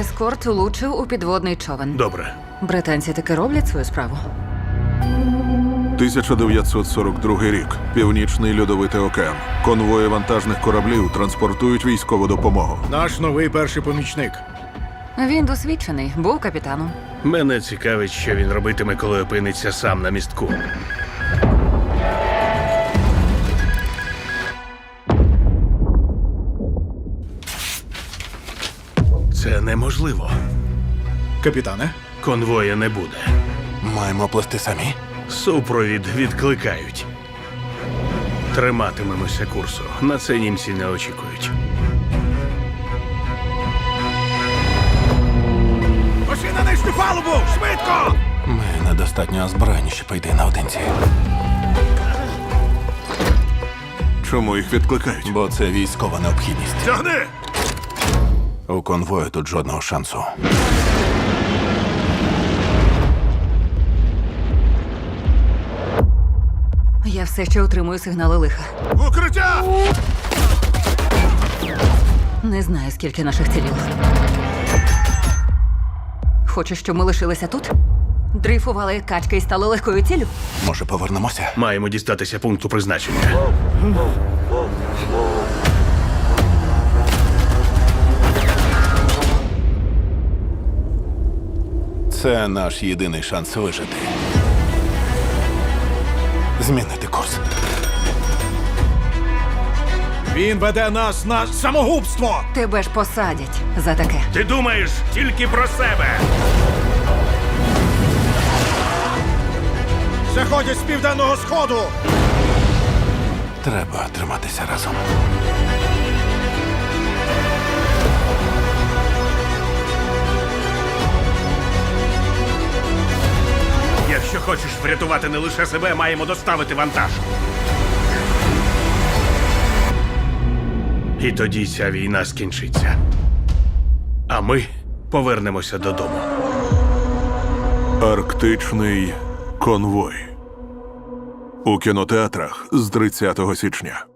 Ескорт влучив у підводний човен. Добре. Британці таки роблять свою справу. 1942 рік. Північний льодовитий океан. Конвої вантажних кораблів транспортують військову допомогу. Наш новий перший помічник. Він досвідчений, був капітаном. Мене цікавить, що він робитиме, коли опиниться сам на містку. Це неможливо. Капітане, Конвоя не буде. Маємо плести самі. Супровід відкликають. Триматимемося курсу. На це німці не очікують. пошли на нижню палубу! Швидко! Ми недостатньо озброєні, щоб пойти наодинці. Чому їх відкликають? Бо це військова необхідність. Тягни! У конвою тут жодного шансу. Я все ще отримую сигнали лиха. Укриття! Не знаю, скільки наших ціліло. Хочеш, щоб ми лишилися тут? Дрейфували як качки і стали легкою ціллю? Може, повернемося? Маємо дістатися пункту призначення. Це наш єдиний шанс вижити. Змінити курс. Він веде нас на самогубство! Тебе ж посадять за таке. Ти думаєш тільки про себе. Заходять з південного сходу! Треба триматися разом. Якщо хочеш врятувати не лише себе, маємо доставити вантаж. І тоді ця війна скінчиться. А ми повернемося додому. Арктичний конвой. У кінотеатрах з 30 січня.